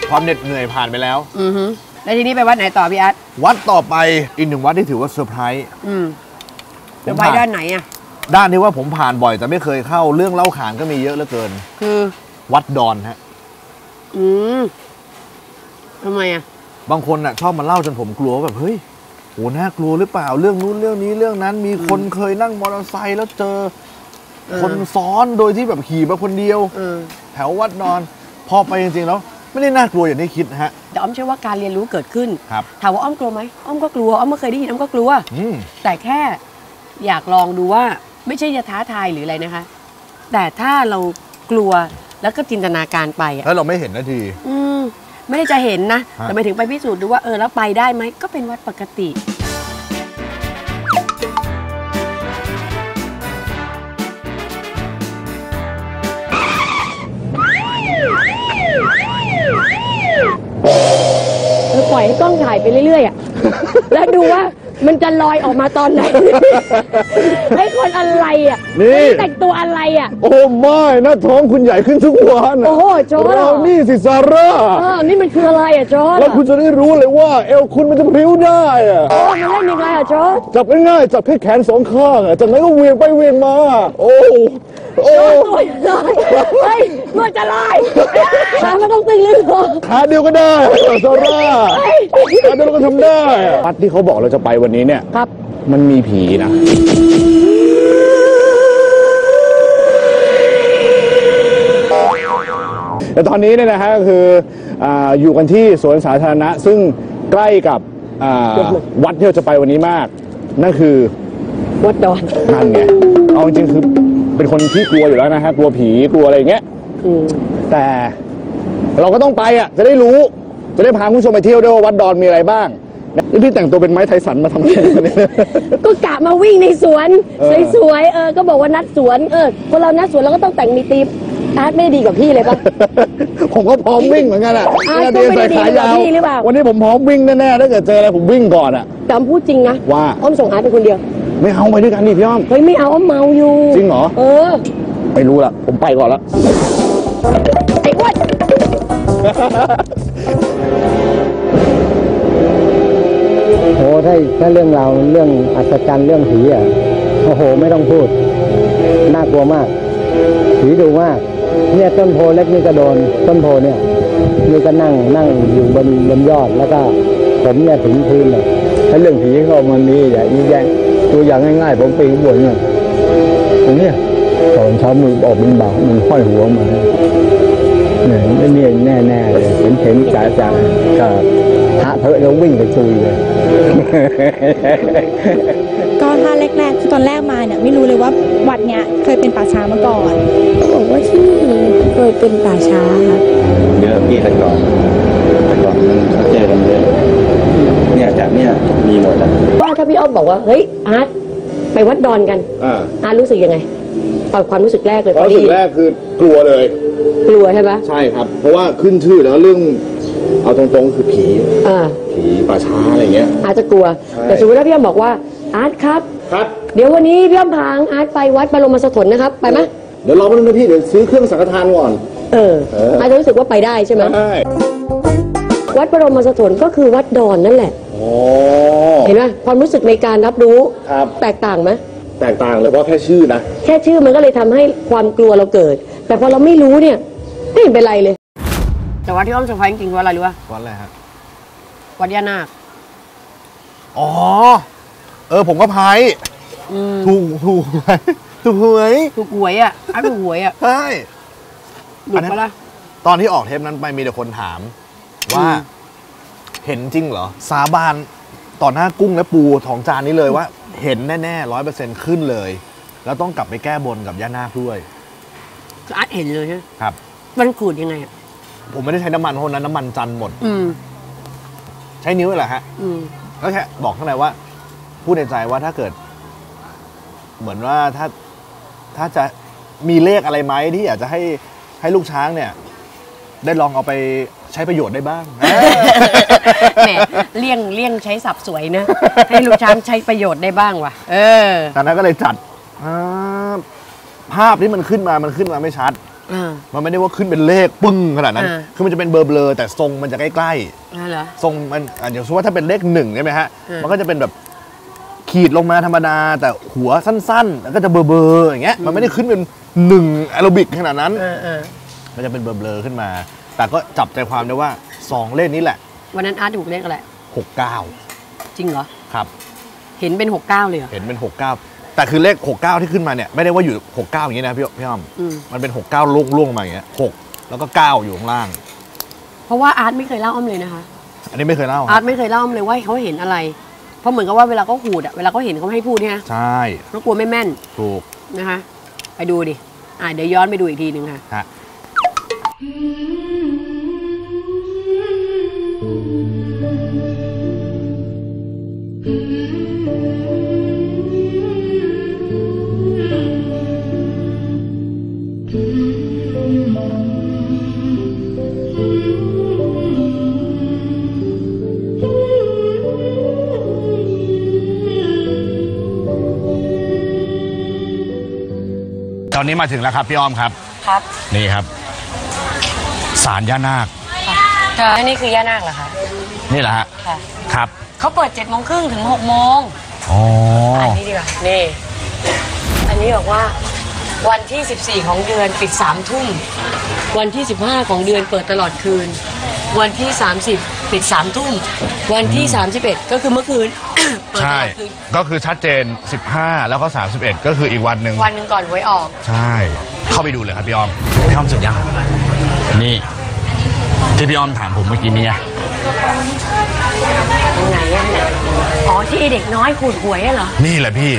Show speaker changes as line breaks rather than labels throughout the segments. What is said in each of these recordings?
ความเหน็ดเหนื่อยผ่านไปแล้ว
แล้วทีนี้ไปวัดไหนต่อพี่อาร์ต
วัดต่อไปอีกหนึ่งวัดที่ถือว่าเซอร์ไพรส์
จะไปด้านไหนอ่ะ
ด้านที่ว่าผมผ่านบ่อยแต่ไม่เคยเข้าเรื่องเล่าขานก็มีเยอะเหลือเกิน
คือ
วัดดอนฮะ
ทำไมอ่ะ
บางคนอ่ะชอบมาเล่าจนผมกลัวแบบเฮ้ยโหน่ากลัวหรือเปล่าเรื่องนู้นเรื่องนี้เรื่องนั้นมีคนเคยนั่งมอเตอร์ไซค์แล้วเจอคนซ้อนโดยที่แบบขี่มาคนเดียวแถววัดดอนพอไปจริงๆแล้วไม่ได้น่ากลัวอย่างที่คิดฮะ
แต่อ้อมเชื่อว่าการเรียนรู้เกิดขึ้น
ครับ
ถามว่าอ้อมกลัวไหมอ้อมก็กลัวอ้อมไม่เคยได้ยินอ้อมก็กลัวแต่แค่อยากลองดูว่าไม่ใช่จะท้าทายหรืออะไรนะคะแต่ถ้าเรากลัวแล้วก็จินตนาการไป
แล้วเราไม่เห็นนาที
ไม่ได้จะเห็นนะแต่ไปถึงไปพิสูจน์ดูว่าแล้วไปได้ไหมก็เป็นวัดปกติปล่อยให้กล้องถ่ายไปเรื่อยๆแล้วดูว่ามันจะลอยออกมาตอนไหนให้คนอะไรนี่แต่งตัวอะไร
โอ้ไม่หน้าท้องคุณใหญ่ขึ้นทุกวัน
โอ้โหโจ้
เรานี่สิซาร่า
นี่มันคืออะไรโจ้
แล้วคุณจะได้รู้เลยว่าเอวคุณมันจะพริ้วได้
มันเล่นยังไงโจ้
จับง่ายๆจับแค่แขนสองข้างจากนั้นก็เวียงไปเวียงมาโอ้
ตัวลอยเฮ้ยมันจะลอยขาไม่ต้องตึงเลย
ขาเดียวก็ได้ซาร่าขาเดียวก็ทำได้วัดที่เขาบอกเราจะไปวันนี้เนี่ย
ครับ
มันมีผีนะแต่ตอนนี้เนี่ยนะฮะก็คืออยู่กันที่สวนสาธารณะซึ่งใกล้กับวัดที่เราจะไปวันนี้มากนั่นคือ
วัดดอน
นั่นไงเอาจริงๆคือเป็นคนที่กลัวอยู่แล้วนะฮะกลัวผีกลัวอะไรอย่างเงี้ยแต่เราก็ต้องไปจะได้รู้จะได้พาคุณผู้ชมไปเที่ยวด้วยว่าวัดดอนมีอะไรบ้างนี่พี่แต่งตัวเป็นไม้ไทสันมาทำอะไร
ก็กะมาวิ่งในสวนสวยๆก็บอกว่านัดสวนคนเรานัดสวนเราก็ต้องแต่งมีธีมอาร์ตไม่ได้ดีกว่าพี่เลยปะ
ผมก็พร้อมวิ่งเหมือนกัน
ก็ไม่ได้ดีกว่าพี่หรือเปล่า
วันนี้ผมพร้อมวิ่งแน่ๆถ้าเกิดเจออะไรผมวิ่งก่อน
จำพูดจริงนะ
ว่า
อ้อมส่งอาร์ตไปคนเดียว
ไม่เอาไปด้วยกันดิพี่อ้อม
เฮ้ยไม่เอาอ้อมเมาอยู่
จริงเหรอไม่รู้ละผมไปก่อนละ
ไอ้อ้วน
โอ้ถ้าเรื่องราวเรื่องอัศจรรย์เรื่องผีโอ้โหไม่ต้องพูดน่ากลัวมากผีดุมากเนี่ยต้นโพเล็กนี่ก็โดนต้นโพเนี่ยนี่ก็นั่งอยู่บนยอดแล้วก็ผมเนี่ยถึงพื้นเลยถ้าเรื่องผีก็มันมีอย่างแยะตัวอย่างง่ายๆผมปีนบนเนี่ยตรงนี้ตอนเช้ามือออกมันเบามันห้อยหัวมาเนี่ยแน่เลยเห็นจ่าก็พระเถอะแล้ววิ่งไปซุยเลย
ก็ถ้าแรกๆคือตอนแรกมาเนี่ยไม่รู้เลยว่าวัดเนี้ยเคยเป็นป่าช้ามาก่อน
บอกว่าที่นี่เคยเป็นป่าช้าค่ะ
เยอะพี่แต่ก่อนมันเขาเจอกันเยอะเนี่ยจากเนี่ยมีหมดแล้ว
ว่าถ้าพี่อ้อมบอกว่าเฮ้ยอาร์ตไปวัดดอนกันอาร์ตรู้สึกยังไงตอนความรู้สึกแรกเลย
ความรู้สึกแรกคือกลัวเลย
กลัวใช่ไหม
ใช่ครับเพราะว่าขึ้นชื่อแล้วเรื่องเอาตรงๆคือผีป่าช้าอะไรเงี้ย
อาจจะกลัวแต่สมมติถ้าพี่อ้อมบอกว่าอาร์ตครับเดี๋ยววันนี้พี่อ้อมพาอาร์ตไปวัดบรมสถนนะครับไปไหม
เดี๋ยวรอแป๊บนึงนะพี่เดี๋ยวซื้อเครื่องสังฆทานก่อน
อาจจะรู้สึกว่าไปได้ใช่ไหมใช่วัดบรมสถนก็คือวัดดอนนั่นแหละเห็นไหมความรู้สึกในการรับรู้แตกต่างไหม
แตกต่างเลยเพราะแค่ชื่อนะ
แค่ชื่อมันก็เลยทำให้ความกลัวเราเกิดแต่พอเราไม่รู้เนี่ยไม่เห็นเป็นไรเลยแต่วัดที่อ้อมเซอร์ไพรส์จริงๆวัดอะไรรู้ป่ะ
วัดอะไรฮะ
วัดย่านาค
ผมก็พายถูกหวยถูกหวย
ถูกหวยถูกหวย
ใช่
หลุดมาละ
ตอนที่ออกเทปนั้นไปมีแต่คนถามว่าเห็นจริงเหรอสาบานต่อหน้ากุ้งและปูของจานนี้เลยว่าเห็นแน่ๆ100%ขึ้นเลยแล้วต้องกลับไปแก้บนกับย่านาคด้วย
อาร์ตเห็นเลยใช่
ครับ
มันขูดยังไง
ผมไม่ได้ใช้น้ำมันเพราะนั้นน้ำมันจันหมดใช้นิ้วแหละฮะแล้วแค่บอกข้างในว่าพูดในใจว่าถ้าเกิดเหมือนว่าถ้าจะมีเลขอะไรไหมที่อยากจะให้ลูกช้างเนี่ยได้ลองเอาไปใช้ประโยชน์ได้บ้าง
แหมเลี่ยงใช้ศัพท์สวยนะให้ลูกช้างใช้ประโยชน์ได้บ้างว่ะ
ตอนนั้นก็เลยจัดภาพที่มันขึ้นมาไม่ชัดมันไม่ได้ว่าขึ้นเป็นเลขปึ้งขนาดนั้นคือมันจะเป็นเบลอๆแต่ทรงมันจะใกล้ๆทรงมันอย่างเช่นว่าถ้าเป็นเลข1ใช่ไหมฮะมันก็จะเป็นแบบขีดลงมาธรรมดาแต่หัวสั้นๆแล้วก็จะเบลอๆอย่างเงี้ยมันไม่ได้ขึ้นเป็น1แอโรบิกขนาดนั้นมันจะเป็นเบลอๆขึ้นมาแต่ก็จับใจความได้ว่า2เลขนี้แหละ
วันนั้นอาร์ตถูกเลขอะไร
69
จริงเหรอ
ครับ
เห็นเป็น69เลยเหรอ
เห็นเป็น69แต่คือเลข69ที่ขึ้นมาเนี่ยไม่ได้ว่าอยู่69อย่างนี้นะพี่อ้อมมันเป็น69ล่วงมาอย่างเงี้ย6แล้วก็9อยู่ข้างล่าง
เพราะว่าอาร์ตไม่เคยเล่าอ้อมเลยนะคะ
อันนี้ไม่เคยเล่า
อาร์ตไม่เคยเล่าอ้อมเลยว่าเขาเห็นอะไรเพราะเหมือนกับว่าเวลาเขาขูดเวลาเขาเห็นเขาไม่ให้พูดเนี่ย
ใช่
เพราะกลัวไม่แม่น
ถูก
นะคะไปดูดิเดี๋ยวย้อนไปดูอีกทีนึงค่ะ
ตอนนี้มาถึงแล้วครับพี่อ้อมครับนี่ครับศาลย่านาค
อันนี้คือย่านาคเหรอคะ
นี่แหละฮะครับ
เขาเปิด7:30 นถึง6 โมงอันนี้ดีกว่านี่อันนี้บอกว่าวันที่14ของเดือนปิด3 ทุ่มวันที่15ของเดือนเปิดตลอดคืนวันที่30ปิด3 ทุ่มวันที่31ก็คือเมื่อคืน
ใช่ก็คือชัดเจน15แล้วก็31ก็คืออีกวันหนึ่ง
ก่อนหวยออก
ใช่เข้าไปดูเลยครับพี่อ้อมเสร็จยังนี่ที่พี่อ้อมถามผมเมื่อกี้นี้
ตรงไหนอ๋อที่เด็กน้อยขูดหวยเหรอ
นี่แหละพี่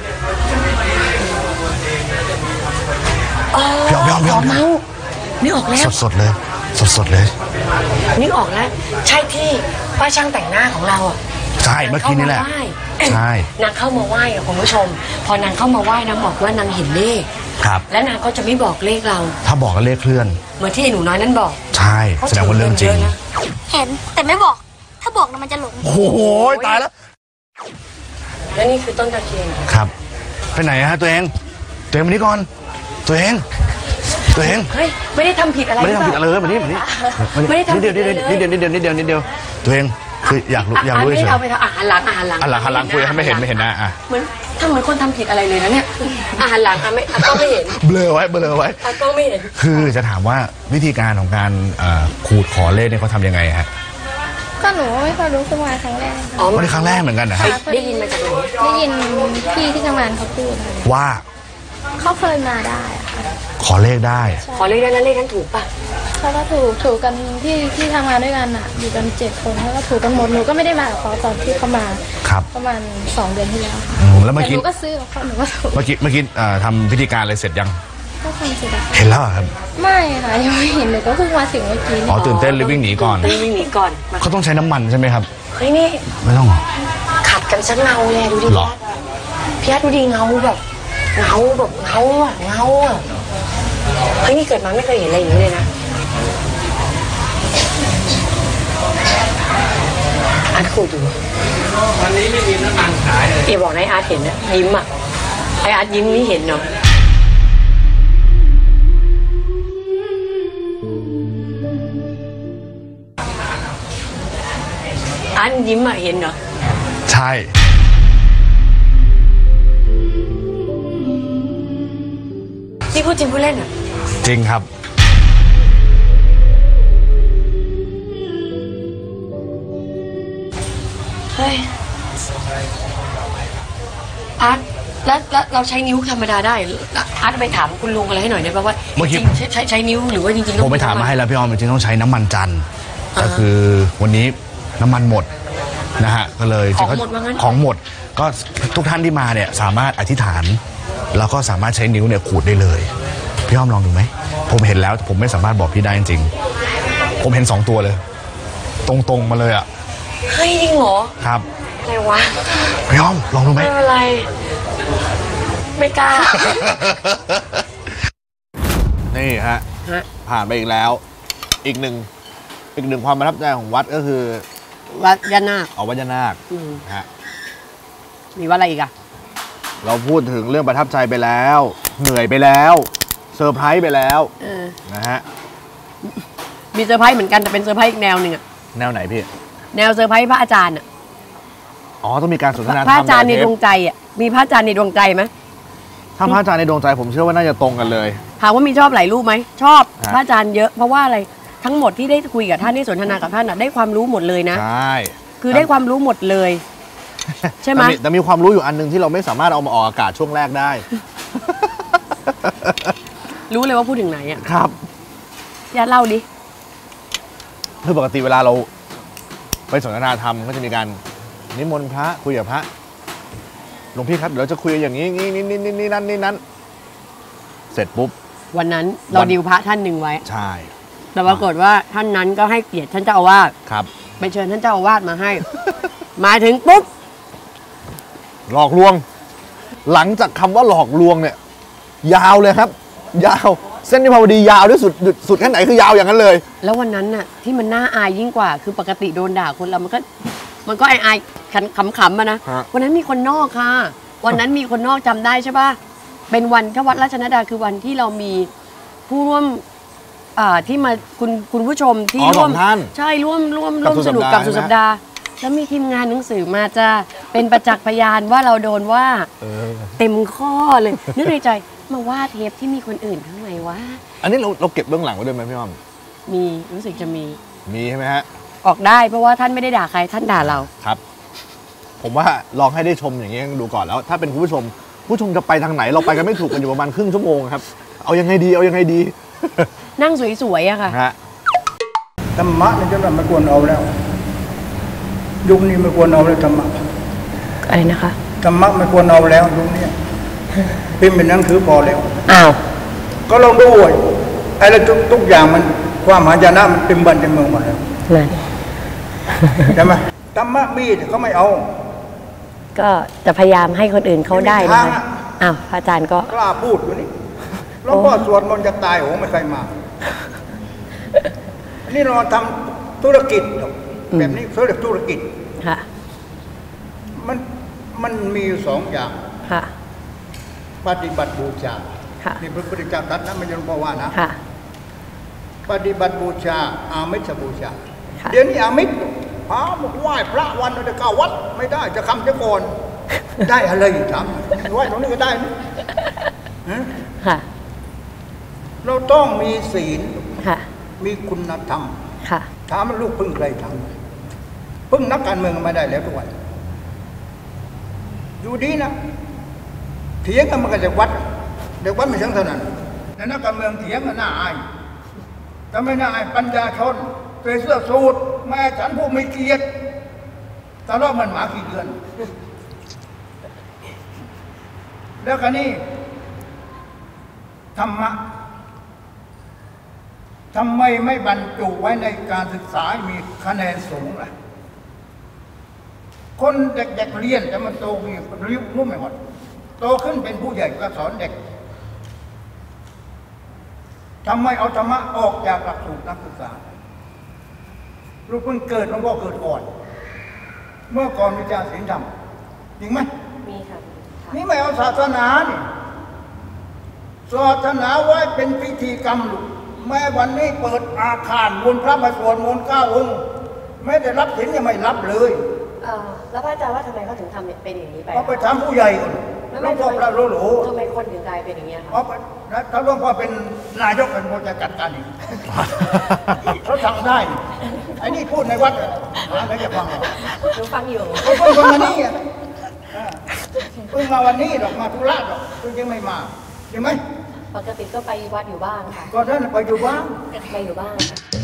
พี่อ้อม
นี่ออกแล้ว
สดเลย
นี่ออกแล้วใช่ที่ป้าช่างแต่งหน้าของเรา
ใช่เมื่อกี้นี่แหละใช่
นางเข้ามาไหว้คุณผู้ชมพอนางเข้ามาไหว้นางบอกว่านางเห็นเลข
ครับ
และนางก็จะไม่บอกเลขเรา
ถ้าบอกก็เลขเคลื่อน
เหมือนที่หนูน้อยนั่นบอก
ใช่แสดงว่าเรื่องจริง
เห็นแต่ไม่บอกถ้าบอกมันจะหลง
โอ้โหตายแล้ว
และนี่คือต้นตะเคียน
ครับไปไหนฮะตัวเองมานี่ก่อนตัวเอง
เฮ้ยไม่ได้ทำผิดอะไร
ไม่ได้ทำผิดอะไรเลยมานี่
ไม่ได้ทำนิดเ
ดียวตัวเองคืออยากรู้
เฉยเอาไปทำอาหารห
ลังคุยให้ไม่เห็นนะ
เหมือนถ้าเหมือนคนทำผิดอะไรเลยนะเนี่ยอาหารหลังก็ไม่เห็น
เบลอไว้
ก็ไม่เห็น
คือจะถามว่าวิธีการของการขูดขอเลขเนี่ยเขาทำยังไงฮะ
ก็หนูไม่เคยรู้ขึ้นมาครั้งแรก
ไม่ได้ครั้งแรกเหมือนกันนะครับ
ได้ยินมาจากไหน
ได้ยินพี่ที่ทำงานเขาพูด
ว่า
เขาเคยมาได้
ขอเลขได้
แล้วเลขนั้นถูกป่ะ
เขาก็ถูกกันที่ทำงานด้วยกันอยู่กัน7 คนเขาก็ถูกกันหมดหนูก็ไม่ได้มากับเขาตอนที่เขามาประมาณ2 เดือนที่แล้ว
แล้วเมื่อกี้
หนูก็ซื้อกับเขาหนูก็ถูก
เมื่อกี้ทำพิธีการอะไรเสร็จยัง
ก็ทำเสร็จแล้ว
เห็นแล้วครับ
ไม่ค่ะยังไม่เห็นเลยก็เพิ่งมาถึงเมื่อกี้
ตื่นเต้นเลยวิ่งหนีก่อนเขาต้องใช้น้ำมันใช่ไหมครับ
เฮ้ยนี่
ไม่ต้อง
ขัดกันสักเงาเลยดูดิพี่อาร์ตดูดิเงาแบบเงาเฮ้ยนี่เกิดมาไม่เคยเห็นอะไรอย่างนี้เลยนะอาร์ตขูดอยู่วันนี้ไม่มีน้ำมันขายเลยบอกนายอาร์ตเห็นนะยิ้มไออาร์ตยิ้มนี่เห็นเนาะอาร์ตยิ้มเห็นเนาะ
ใช่
นี่พูดจริงพูดเล่น
จริงครับ
เฮ้ยอาร์ตแล้วเราใช้นิ้วธรรมดาได้อาร์ตไปถามคุณลุงอะไรให้หน่อยได้ป่ะว่าจริงใช้นิ้วหรือว่าจริงๆ
ผมไปถามมาให้แล้วพี่อ้อมจริงๆต้องใช้น้ำมันจันทร์ก็คือวันนี้น้ำมันหมดนะฮะก็เลยของหมดก็ทุกท่านที่มาเนี่ยสามารถอธิษฐานแล้วก็สามารถใช้นิ้วเนี่ยขูดได้เลยพี่อ้อมลองดูไหมผมเห็นแล้วผมไม่สามารถบอกพี่ได้จริงๆผมเห็น2 ตัวเลยตรงมาเลย
เฮ้ยจริงเหรอ
ครับ
อะไรวะ
พี่อ้อมลองดูไหม
อะไรไม่กล้า
นี่ฮะผ่านไปอีกแล้วอีกหนึ่งความประทับใจของวัดก็คือ
วัดย่านาค
วัดย่านาคฮะ
มีวัดอะไรอีกอะ
เราพูดถึงเรื่องประทับใจไปแล้วเหนื่อยไปแล้วเซอร์ไพรส์ไปแล้วนะฮะ
มีเซอร์ไพรส์เหมือนกันแต่เป็นเซอร์ไพรส์อีกแนวหนึ่งอะ
แนวไหนพี่
แนวเซอร์ไพรส์พระอาจารย์อะ
อ๋อต้องมีการสนทนาธรรม
พระอาจารย์ในดวงใจอะมีพระอาจารย์ในดวงใจไหม
ถ้าพระอาจารย์ในดวงใจผมเชื่อว่าน่าจะตรงกันเลย
ถามว่ามีชอบหลายรูปไหมชอบพระอาจารย์เยอะเพราะว่าอะไรทั้งหมดที่ได้คุยกับท่านได้สนทนากับท่านได้ความรู้หมดเลยนะ
ใช่
คือได้ความรู้หมดเลยใช่ไหม
แต่มีความรู้อยู่อันนึงที่เราไม่สามารถเอามาออกอากาศช่วงแรกได้
รู้เลยว่าพูดถึงไหนอ่ะ
ครับ
ญาติเล่าดิ
คือปกติเวลาเราไปสนทนาธรรมก็จะมีการนิมนต์พระคุยกับพระหลวงพี่ครับเดี๋ยวเราจะคุยอย่างนี้นี่นั่นเสร็จปุ๊บ
วันนั้นเราดิวพระท่านหนึ่งไว้
ใช่
แต่ปรากฏว่าท่านนั้นก็ให้เกียรติท่านเจ้าอาวาส
ครับ
ไปเชิญท่านเจ้าอาวาสมาให้ มาถึงปุ๊บ
หลอกลวงหลังจากคำว่าหลอกลวงเนี่ยยาวเลยครับยาวเส้นวิภาวดียาวที่สุดแค่ไหนคือยาวอย่างนั้นเลย
แล้ววันนั้นน่ะที่มันน่าอายยิ่งกว่าคือปกติโดนด่าคนเรามันก็อายขำๆมานะวันนั้นมีคนนอกค่ะวันนั้นมีคนนอกจำได้ใช่ป่ะเป็นวันที่วัดราชนดาคือวันที่เรามีผู้ร่วมที่มาคุณผู้ชมที่ร่วมใช่ร่วมสนุกกับสุดสัปดาห์แล้วมีทีมงานหนังสือมาจะเป็นประจักษ์พยานว่าเราโดนว่าเต็มข้อเลยนึกในใจมาว่าเทปที่มีคนอื่นทำไมวะ
อันนี้เราเก็บเบื้องหลังไว้ด้วยไหมพี่อ้อม
มีรู้สึกจะมี
ใช่ไหมฮะ
ออกได้เพราะว่าท่านไม่ได้ด่าใครท่านด่าเรา
ครับผมว่าลองให้ได้ชมอย่างนี้ดูก่อนแล้วถ้าเป็นผู้ชมจะไปทางไหนเราไปกันไม่ถูกกันอยู่ประมาณครึ่งชั่วโมงครับเอายังไงดี
นั่งสวยๆอะค่ะ
ธรรมะนี่จะไม่ควรเอาแล้วยุคนี้ไม่ควรเอาแล้วธรรมะ
อะไรนะคะ
ธรรมะไม่ควรเอาแล้วยุคนี้พิมพ์เป็นหนังสือพอแล้ว
อ้าว
ก็ลองดูไอ้ทุกอย่างมันความหายนะมันเต็มบ้านเต็มเมืองหมดแล้วใช่ไหมธรรมะมีแต่เขาไม่เอา
ก็จะพยายามให้คนอื่นเขาได้นะคะอ้าวพระอาจารย์ก็
กล้าพูดอยู่นี่หลวงพ่อสวดมนต์จะตายโหไม่เคยมานี่เราทำธุรกิจแบบนี้เขาเรียกธุรกิจ
ค่ะ
มันมีอยู่สองอย่าง
ค่ะ
ปฏิบัติบูชานี่พระพุทธเจ้าตรัสนะไม่ใช่หลวงพ่อว่านะปฏิบัติบูชาอามิสบูชาเดี๋ยวนี้อามิสพาไหว้พระวันจะเข้าวัดไม่ได้จะคำจะก่อนได้อะไรอยู่ทำไหว้ตรงนี้ก็ได้นะ
ค่ะ
เราต้องมีศีลมีคุณธรรมถามว่าลูกพึ่งใครทำพึ่งนักการเมืองไม่ได้แล้วทุกวันอยู่ดีนะเถียงกันมันก็จะวัดเด็กวัดไม่ช่างเท่านั้นแต่นักการเมืองเถียงกันน่าอายแต่ไม่น่าอายปัญญาชนใส่เสื้อสูทแม่ฉันผู้ไม่เกียรติตลอดมันหมากี่เดือนแล้วกันนี่ธรรมะทำไมไม่บรรจุไว้ในการศึกษามีคะแนนสูงล่ะคนเด็กๆเรียนแต่มันโตมีรู้ไม่หมดโตขึ้นเป็นผู้ใหญ่ก็สอนเด็กทำไมเอาธรรมะออกจากหลักสูตรนักศึกษาลูกเพิ่งเกิดหลวงพ่อเกิดก่อนเมื่อก่อนวิชาศีลธรรมจริงไหม
มีค่ะ
นี่ไม่เอาศาสนานี่ศาสนาไว้เป็นพิธีกรรมลูกแม้วันนี้เปิดอาคารมนต์พระมาสวดมนต์9 องค์ไม่ได้รับศีลยังไม่รับเลย
แล้วพระอาจารย์ว่าทำไมเขาถึงทำเป็นอย่างนี้ไป
เขาไปทำผู้ใหญ่ก่อนหลวงพ่อพระโลโห
ทำไมคนถึงกลายเป็นอย่างนี้
คะถ้าหลวงพ่อเป็นนายกเป็นคนจะจัดการอีกเขาทำได้ไอ้นี่พูดในวัดอะไรจะฟัง
หนูฟังอยู่
เขาเพิ่งมานี่เพิ่งมาวันนี้หรอกมาธุระหรอกเพิ่งยังไม่มาใช่ไหม
ปกติก็ไปวัดอยู่บ้างค่ะ
ก็นั่นไปอยู่บ้าง
ไปอยู่บ้าง